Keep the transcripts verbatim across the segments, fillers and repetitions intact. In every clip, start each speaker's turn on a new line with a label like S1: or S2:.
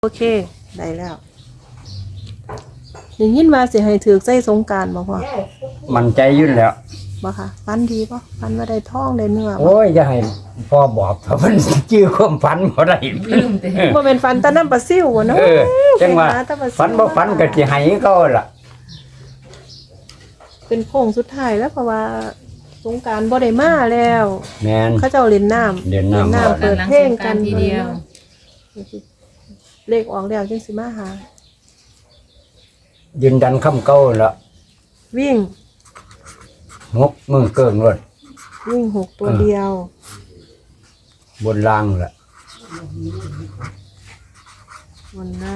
S1: โอเคได้แล้วอย่างนี้มาสิให้ถือใจสงการบ่พ่อ
S2: มันใจยุ่นแล้ว
S1: บ่ค่ะฟันดีบ่ฟันว่าได้ทองได้เนื้อบ่
S2: โอ้ยจะให้พ่อบอกเพราะมันจื้อความฝันบ่ได้
S1: บ่เป็นฟันตะน้ำปลาซิ่วบ่เนาะ
S2: เออจังว่า
S1: ไปหตะปลซิ่ว
S2: ฝันบ่ฝันก็สิให้เขาล่ะ
S1: เป็นโค้งสุดท้ายแล้วเพราะว่าสงการบ่ได้มาแล้ว
S2: แม่น
S1: เขาเจ้าเล่นน้ำ
S2: เล่นน้ำ
S1: น้ำเปิดเพลงกัน
S3: ทีเดียว
S1: เลขออกแล้วจังสิมาหา
S2: ยืนดันคำเก่าล่ะ
S1: วิ่ง
S2: งกมือเกิงรถ
S1: วิ่งหกตัวเดียว
S2: บนล่างล่ะ
S1: บนหน้า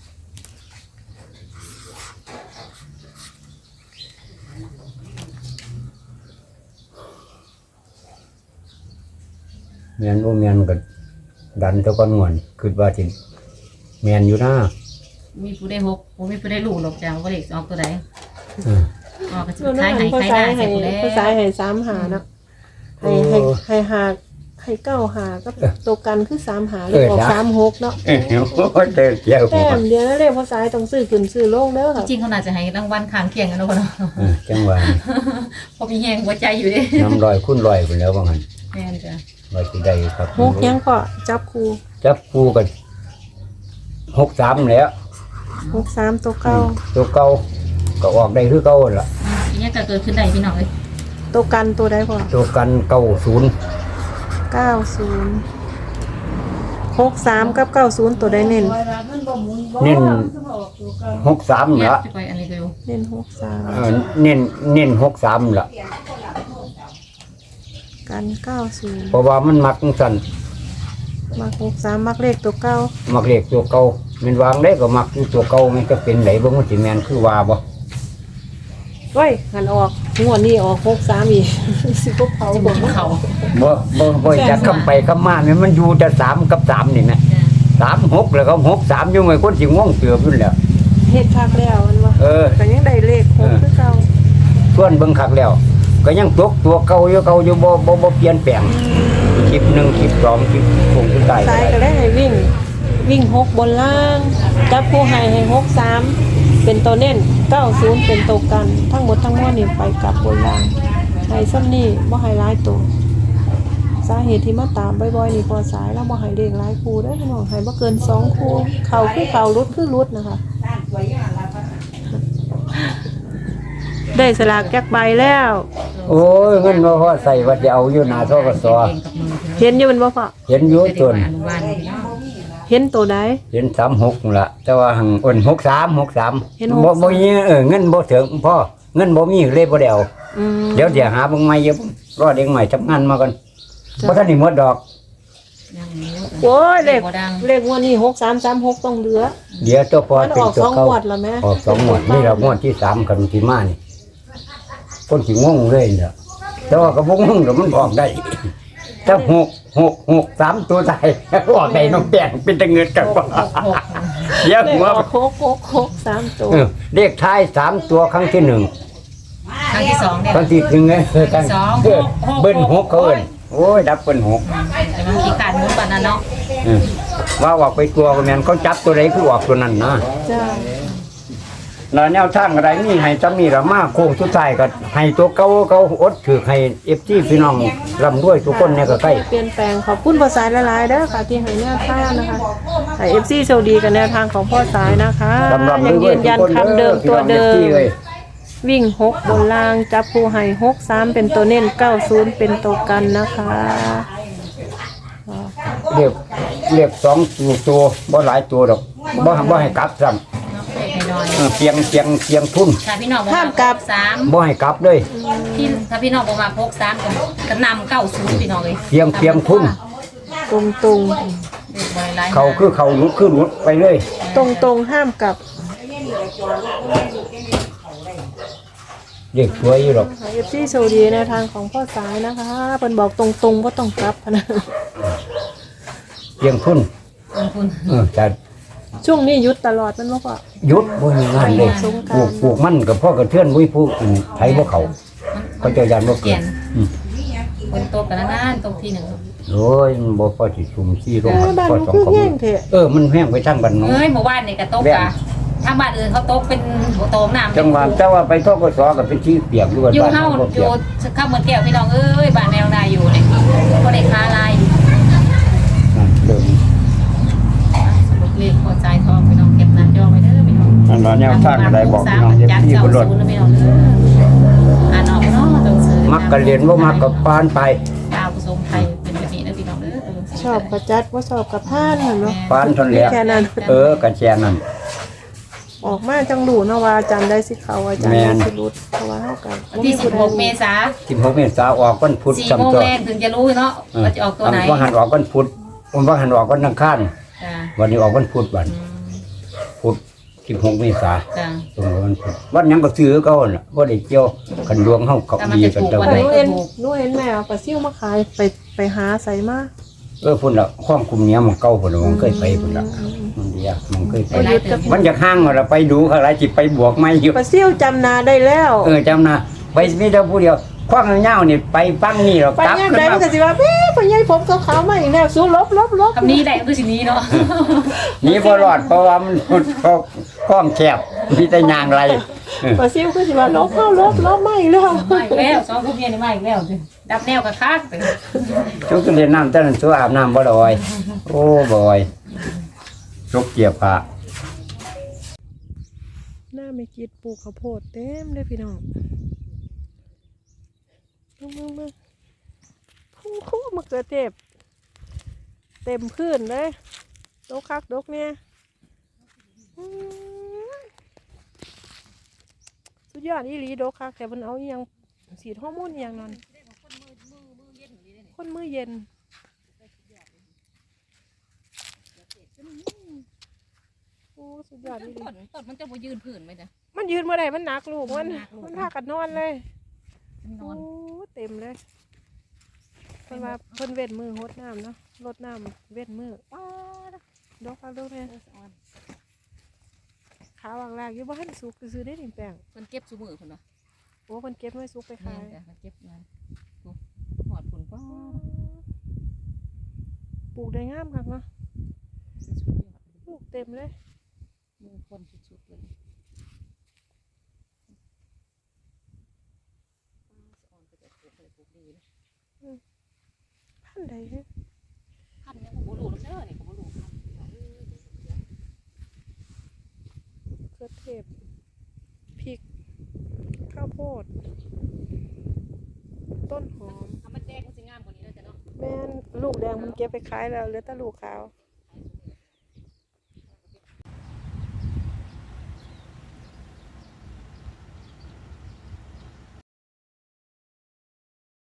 S2: แม่นบ่แม่นก็ดันเท่ากันงวนคิดว่าสิแม่นอยู่นะ
S3: มีผู้ได้หกผมมีผู้ได้ลูกหรอกจ้าว่าเด็กออกตัวใด
S2: เออ
S3: ออกก็จะ
S1: เดี๋ยว
S3: คล้าย
S1: นั้น
S3: หาย
S1: ภา
S3: คล้าย
S1: ษา
S3: หน้า
S1: ให้
S3: เสร็จแล้ว
S1: ภาษาให้สามหาเนาะให้ให้ให้หาให้เก้าหาก็ตัวกันคือสามหาเลขออกสามหกเนาะ
S2: เออโอ้ยเจอเกี่ยว
S1: แต้มเดียวแล้วเลขภาษาต้องซื้อขึ้นซื้อลงเด้อค่ะ
S3: จริงเขาน่าจะให้รางวัลข้างเคียงกันเนาะเนาะ
S2: เออจังว่า
S3: เพอมีแหงหัวใจอยู่ดิ
S2: น้ำลอยคุ้นลอยไปแล้วว่างั้น
S3: แม่นจ้ะ
S2: ว่าสิได้ครับ
S1: หกยังก็จับคู่
S2: จับคู่กันหกสามแล้ว
S1: หกสามตัวเก้า
S2: ตัวเก่าก็ออกได้คือเก่าล่ะ
S3: ทีนี้ก็เกิดขึ้นได้พี่น้องเลย
S1: ตัวกันตัวใดพอ
S2: ตัวกันเก้าศูนย์
S1: เก้าศูนย์หกสามกับเก้าศูนย์ตัวใดเน้น
S2: เน้นหกสาม
S3: เนี่ย
S2: ละ
S3: จะไปอันนี้เร็ว
S1: เน้นหกสาม
S2: เออเน้นเน้นหกสามละ
S1: กันเก้าศูนย์
S2: เพราะว่ามันมักสั่น
S1: มักหกสามมักเลขตัวเก้า
S2: มักเรียกตัวเก่ามันวางได้ก็มักอยู่ตัวเก่ามันก็เป็นไหนบ่มันสิแม่นคือว่าบ่
S1: เฮ้ยหันออกงวดนี้ออกหกสามอีก สิพวกเขา
S3: จะ
S1: บบ อ
S3: อก ก
S1: ว่า
S3: เขา
S2: บ่บ่บ่จะคำไปคำมาเนี่ยมันอยู่แต่สามกับสามนี่แหละ
S3: จ้ะ
S2: สามหกแล้วก็หกสามอยู่ไงคนสิง่วงเตือบอยู่แล้ว
S1: เฮ็ดคักแล้วมันว่า
S2: เออ
S1: ก็ยังได้เลขหกคือเก่า
S2: ส่วนเบิ่งคักแล้ว ก็ยังตกตัวเก่าอยู่เก่าอยู่บ่บ่บ่เปลี่ยนแปลงคลิปหนึ่งคลิปสองคลิปคงสุดท้าย
S1: ซ้ายก็ได้ให้วิ่ง วิ่งหกบนล่าง จับผู้ให้ให้หกสามเป็นตัวเน้นเก้าศูนย์เป็นตัวกัน ทั้งหมดทั้งมวลนี่ไปกลับบนล่างให้ซ้ำนี่บ่ให้หลายตัวสาเหตุที่มาตามบ่อยๆนี่พอสายแล้วบ่ให้เลขหลายคู่เด้อพี่น้องให้บ่เกินสองคู่เข้าคือเข้ารุดคือรุดนะคะ ได้สลากแจกใบแล้ว
S2: โอ้ยเงินบ่พอใส่ว่าจะเอาอยู่หน้าทกส
S3: เองกับมือ
S1: เห็นอยู่มันบ่พอ
S2: เห็นอยู่
S3: เด็ก
S2: ต้น
S3: อนุบาลพี่น้อง
S1: เห็นตัวใด
S2: เห็นสามหกล่ะ แต่ว่าหังอ่อนหกสามหกสาม
S1: เห็น
S2: บ่
S1: หกสาม
S2: บ่มีเออเงินบ่ถึงพ่อเงินบ่มีเลยบ่ได้เอา
S1: อืม
S2: เดี๋ยวเดี๋ยวหาเบิ่งใหม่อยู่รอเด็กใหม่ทำงานมาก่อน
S1: จ้ะ
S2: บ่ทันได้หมดดอก
S3: ยังมี
S1: โอ้ยเลข
S3: บ่ดัง
S1: เลขงวดนี้หกสามสามหกต้องเหลือ
S2: เดี๋ยวตัวพอ
S1: มัน
S2: เป็น
S1: ออก
S2: ตัว
S1: สอง
S2: เก่าง
S1: วดแล้วแม่
S2: ออกสองงวดนี่เรางวดที่สามกันที่มานี่คนสิงงเลยเนี่ยแต่ว่าก็บ่งงเดี๋ยวมันออกได้ถ้าหกหกหกสามตัวใส่ออกได้น้องแป้งเป็นตะเงินกันบ่เดี๋ยว
S1: เลข
S2: หัว
S1: ออกหกหกหกสามตัว
S2: เออเลขท้ายสามตัวครั้งที่หนึ่ง
S3: ครั้งที่สองเนี่ย
S2: ครั้งที่หนึ่งไงเออกัน
S3: สอง
S2: เออ
S3: หก
S2: เบิ้ลหกเขาเอิ้นโอ้ยดับเบิ้ลหก
S3: แต่บางทีการมุดปานนั้นเนาะ
S2: เออว่าออกไปตัวก็แม่นเขาจับตัวใดคือออกตัวนั้นนะ
S1: จ้า
S2: แล้วแนวทางอะไรนี่ให้จะมีละมาโค้งสุดท้ายก็ให้ตัวเก่าเขาอดถือให้ เอฟ ซี พี่น้องร่ำรวยทุกคนเนี่ยก็ใกล้
S1: เปลี่ยนแปลงขอบคุณพ่อสายหลายๆเด้อค่ะที่ให้แนวทางนะคะให้เอฟซีโชคดีกับแนวทางของพ่อสายนะคะ
S2: ร่ำรำ
S1: ยัง
S2: รว
S1: ยื
S2: ย
S1: น
S2: ๆทุ
S1: ยั
S2: ก
S1: น
S2: คน
S1: คำเดิม
S2: พี่
S1: ตัว
S2: น้อง
S1: เดิ
S2: เอฟ
S1: ม
S2: ซีเลย
S1: วิ่งหกบนล่างจับผู้ให้หกสามเป็นตัวเน้นเก้าศูนย์เป็นตัวกันนะคะ
S2: เรียกเรียกสองตัวตัวบ่หลายตัวดอกบ่บ่ให้กลับซ้
S3: เนาะเด็กน้อย
S2: ำเออเพียงเพียงเพียงทุน
S3: ๆถ้าพี่น้องบ่มาสาม
S2: บ่ให้กลับเลย
S3: พี่ถ้าพี่น้องบ่มาพกสามก็ก็นำเก้าศูนย์พี่น้องเลย
S2: เพียงเพียงทุน
S1: ตรงตรง
S3: เด็กบ่หลายๆ
S2: เขาคือเขาหลุดคือหลุดไปเลย
S1: ตรงตรงๆห้ามกลับ
S2: เรียกสวยอยู่หรอก
S1: เอฟซีโชคดีแนวทางของพ่อสายนะคะเพิ่นบอกตรงตรงว่าต้องกลับนะ
S2: เพียงทุน
S3: ขอบคุณ
S2: เออแต่
S1: ช่วงนี้หยุดตลอดมันบ่พอ
S2: หยุดบ่มีงานเลย
S1: สงก
S2: ปลู
S1: ราน
S2: ก
S1: ต์
S2: ปลูกมันกับพ่อกระเทือนวุ้ยผู้อื่นไผบ่เขาเขาเจะยันบ่เกิ
S3: เกีย
S2: ด
S3: น
S2: อืม
S3: คนโตกันนานๆตรงที่หนึ่ง
S2: โอ้ยมันบ่พอสิชุมซี่ลง
S1: เออบ้าน
S2: พอ
S1: มัน
S2: สอง
S1: คือ
S2: ของ
S1: แห้งเถอะ
S2: เออมันแห้งไปทางบ้านน้อง
S3: เอ้ยเมื่อวานนี่ก็ตก
S2: แว่
S3: กะ
S2: น
S3: ทางบ้านอื่นเขาตกเป็นหัวโตงน้ำ
S2: จังหวะแต่ว่าไปทกศก็เป็นที่เปียกอยู่บ้าน
S3: อยู่
S2: บ้าน
S3: เฮา
S2: บ่
S3: อ
S2: เปีย
S3: ยู่
S2: ก
S3: ข้าวเหมือนแก้วพี่น้องเอ้ยบ้านแนวนาอยู่เนี่ยก็ได้ค้าลายอยู่
S2: นั่นเริ่ม
S3: สรุปเลขพอใจทองพี่น้องเก็บหน้าจอไว้เด้อพี่น้อง
S2: อันว่าแนวทางอะไรบอกพี่น้องอย่าพี่บ่รถ
S3: จัดเก้าศูนย์นะพี่น้องเด้ออ่านออกเนาะต้องซื้อ
S2: มักก็เรียนบ่มักก็ปานไป
S3: ดาวผสมไทยเป็นแบบนี้นะพี่น้องเด้อ
S1: ชอบกระจัดว่าชอบกระพานนั่นเนาะ
S2: ปานทนแล้ว
S1: แค่นั้น
S2: เออก็แค่นั้น
S1: ออกมาจังหลูเนาะว่าอาจารย์ได้สิเขาอาจารย์
S2: แม่
S1: ได้
S2: น
S1: สิรุดเพราะว่าเฮากัน
S3: วันที่สิบหกเมษา
S2: สิบหกเมษายนออกวันพุธ
S3: สี่
S2: จำ
S3: โมง
S2: ตัว
S3: แรกถึงจะรู้เนาะว่าจะออกตัวไหน
S2: ว่าหันออกวันพุธวันว่าหันออกวันอังคาร
S3: จ้า
S2: วันนี้ออกวันพุธวัน
S3: อืม
S2: พุธสิบหกเมษายน
S3: จ้า
S2: ตรงกับวันพุธวันหยังก็ซื้อเขาน่ะบ่ได้เกี่ยวกันดวงเฮาเขา
S3: แต่มัน
S2: ดี
S3: จะ
S2: กัน
S3: ถูก
S2: เจ้า
S3: วั
S1: ห
S3: ไห
S1: นูเห็นหนูเห็นแม่เอาปลาซิ่วมาขายไปไปหาใส่มา
S2: เออพุ่นละข้องคุมเนี้ยมันเก่าพุ่นละมันเคยไปพุ่นละมันเดียวมันเคยไป
S3: ไปไล่ตึก
S2: มันจะห้างว่าเราไปดูเขาอะไรจิไปบวกไม่อยู่
S1: ปลาซิ่วจำนาได้แล้ว
S2: เออจำนะไปมีแต่ผู้เดียวข้องเงานี่ไปฟังนี่เรา
S1: ไป
S2: กลับ
S1: ย่าง
S2: ขึ้น
S1: ใด
S2: มา
S1: มันก็สิว่าเอ๊ะพ่อใหญ่ผมขาวๆมาอีกแล้วสู้ลบลบลบ
S3: คำนี้แหละคือสิ่งนี้เนาะ
S2: หนีพอรอดเพราะว่ามันข้องข้องแคบมีแต่ยางไรเออ
S1: ปลาซิ่วก็สิว่าลบเข้าลบลบมาอีกแล้ว
S3: มาอีกแล้วสองผู้เมียนี่มาอีกแล้วสิดับแนวกับคักไป
S2: ชุกเรียนน้ำแต่นั้นชัวอาบน้ำบ่ลอยโอ้บ่อยชุกเกียบผ้า
S1: หน้าไม่กิดปลูกข้าวโพดเต็มเลยพี่น้องมึงมึงมึงคู่คู่มะเขือเทศเต็มพื้นเลยดกคักดกเนี่ยอืมสุดยอดอีหลีดกคักแต่มันเอาอหยังสีฮอร์โมนอหยังนั่นคนมือเย็นโอ้สุดยอดอีหลี
S3: ต้นต้นมันจะมายืนผื่นไหมเนี่ย
S1: มันยืนเมื่อไหร่มันหนักลูกมัน
S3: มันหนักลูก
S1: มันพากันนอนเลย
S3: น
S1: โอ้
S3: อน
S1: เต็มเลยเพิ่นว่าเพิ่นเว้นมือหดน้ำเนาะรดน้ำเว้นมือป้าดดอกเอาดอกเนี่ยขาวางลากอยู่บ้านสุกซื้อได้หนึ่งแปลง
S3: มันเก็บซูมือคนวะ
S1: โอ้เพิ่นเก็บไว้สุกไป
S3: แม่
S1: ขาย
S3: จ้ะมันเก็บงานหอดผลก็
S1: ปลูกได้งามคักเนาะ
S3: สุดยอด
S1: ปลูกเต็มเลย
S3: มือคนสุดๆเลยอ่อนไปแต่ปลูกเลยปลูกดีนะ
S1: พันใดเนี่ย
S3: พันเนี่ยผมรู้แล้วเด้อนี่ผมรู้พัน
S1: เครือเทศพริกข้าวโพดต้นหอม
S3: ทำมันแดงมันสิงามกว่านี้เลยจ้ะเนาะ
S1: แม่นลูกแดงมันเก็บไปขายแล้วเหลือแต่ลูกขาว
S3: เ